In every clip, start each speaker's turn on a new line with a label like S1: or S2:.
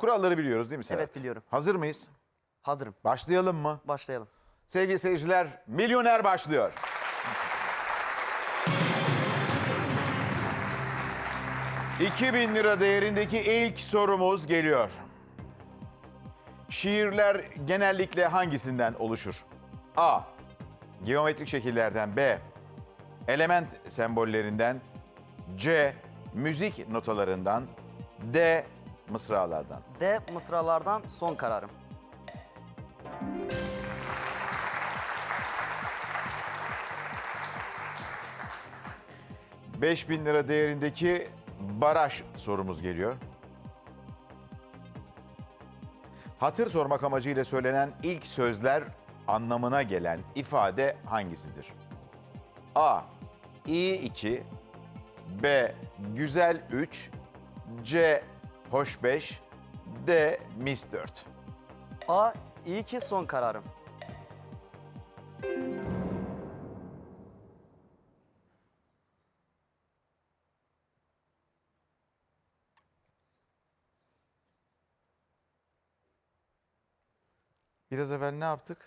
S1: Kuralları biliyoruz değil mi Serhat?
S2: Evet, biliyorum.
S1: Hazır mıyız?
S2: Hazırım.
S1: Başlayalım mı?
S2: Başlayalım.
S1: Sevgili seyirciler, Milyoner başlıyor. $2000 değerindeki ilk sorumuz geliyor. Şiirler genellikle hangisinden oluşur? A. Geometrik şekillerden. B. Element sembollerinden. C. Müzik notalarından. D. Mısralardan.
S2: D. Mısralardan son kararım.
S1: $5000 değerindeki baraj sorumuz geliyor. Hatır sormak amacıyla söylenen ilk sözler anlamına gelen ifade hangisidir? A. İyi 2, B. Güzel 3, C. Hoş 5, D. Mis 4.
S2: A. İyi ki son kararım.
S1: Biraz evvel ne yaptık?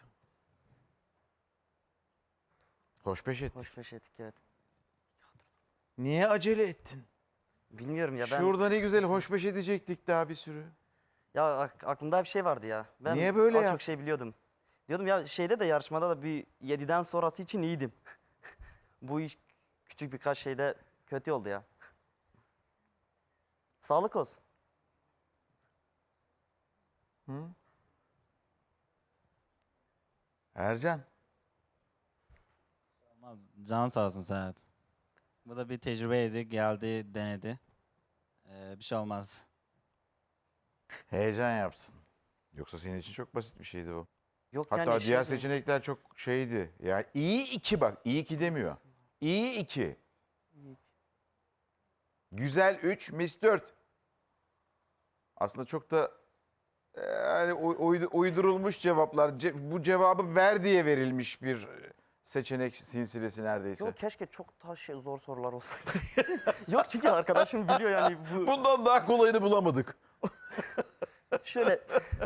S1: Hoş beş ettik.
S2: Hoş beş ettik, evet.
S1: Niye acele ettin?
S2: Bilmiyorum ya ben...
S1: Şurada ne güzel hoş beş edecektik daha bir sürü.
S2: Ya aklımda bir şey vardı ya. Ben
S1: Niye böyle
S2: az çok
S1: yaptın?
S2: şey biliyordum. Diyordum ya şeyde de yarışmada da bir 7'den sonrası için iyiydim. Bu iş küçük birkaç şeyde kötü oldu ya. Sağlık olsun.
S1: Ercan.
S3: Olmaz. Can sağ olsun Serhat. Bu da bir tecrübeydi. Geldi, denedi. Bir şey olmaz.
S1: Heyecan yaptın. Yoksa senin için çok basit bir şeydi bu.
S2: Yok
S1: Hatta
S2: yani
S1: diğer seçenekler çok şeydi. Yani iyi 2 bak. İyi 2 demiyor. İyi 2. Güzel 3, mis 4. Aslında çok da yani uydurulmuş cevaplar. Bu cevabı ver diye verilmiş bir seçenek silsilesi neredeyse.
S2: Yok keşke çok daha zor sorular olsaydı. Yok çünkü arkadaşım biliyor yani bu
S1: Bundan daha kolayını bulamadık.
S2: şöyle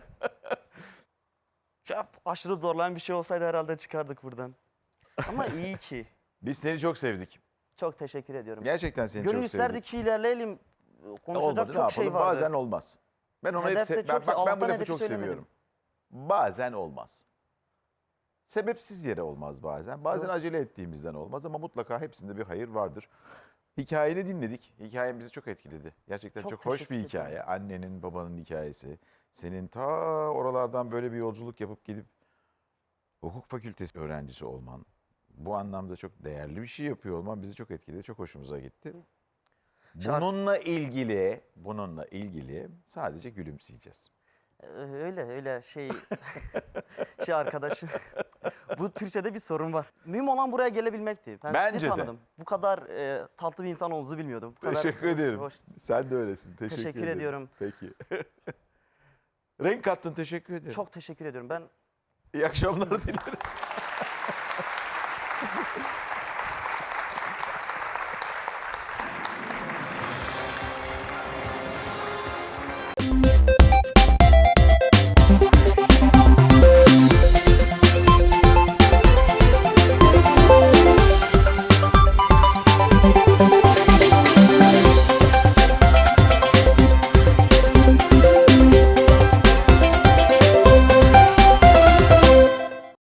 S2: aşırı zorlayan bir şey olsaydı herhalde çıkardık buradan. Ama iyi ki.
S1: Biz seni çok sevdik.
S2: Çok teşekkür ediyorum.
S1: Gerçekten seni
S2: Gönül
S1: çok
S2: isterdi
S1: sevdik.
S2: ki ilerleyelim. Konuşacak
S1: Olmadı, ne
S2: çok şey
S1: yapalım?
S2: vardı.
S1: Bazen olmaz. Ben onu
S2: Hedef de
S1: hep
S2: çok-
S1: ben bu
S2: Allah'tan
S1: lafı
S2: hedefi
S1: çok
S2: söylemedim.
S1: seviyorum. Bazen olmaz. Sebepsiz yere olmaz bazen. Bazen
S2: Doğru.
S1: acele ettiğimizden olmaz ama mutlaka hepsinde bir hayır vardır. Hikayeni dinledik. Hikayen bizi çok etkiledi. Gerçekten
S2: Çok
S1: çok hoş bir
S2: teşekkür
S1: hikaye. Annenin, babanın hikayesi. Senin ta oralardan böyle bir yolculuk yapıp gidip hukuk fakültesi öğrencisi olman. Bu anlamda çok değerli bir şey yapıyor olman bizi çok etkiledi. Çok hoşumuza gitti. Bununla ilgili sadece gülümseyeceğiz.
S2: Öyle şey arkadaşım. Bu Türkçe'de bir sorun var. Mühim olan buraya gelebilmekti. Ben
S1: Bence
S2: sizi
S1: de.
S2: tanıdım. Bu kadar tatlı bir insan olduğunuzu bilmiyordum. Bu kadar
S1: Teşekkür ederim.
S2: hoş.
S1: Sen de öylesin. Teşekkür ederim.
S2: ediyorum.
S1: Peki. Renk kattın. Teşekkür ederim.
S2: Çok teşekkür ediyorum. Ben
S1: İyi akşamlar dilerim.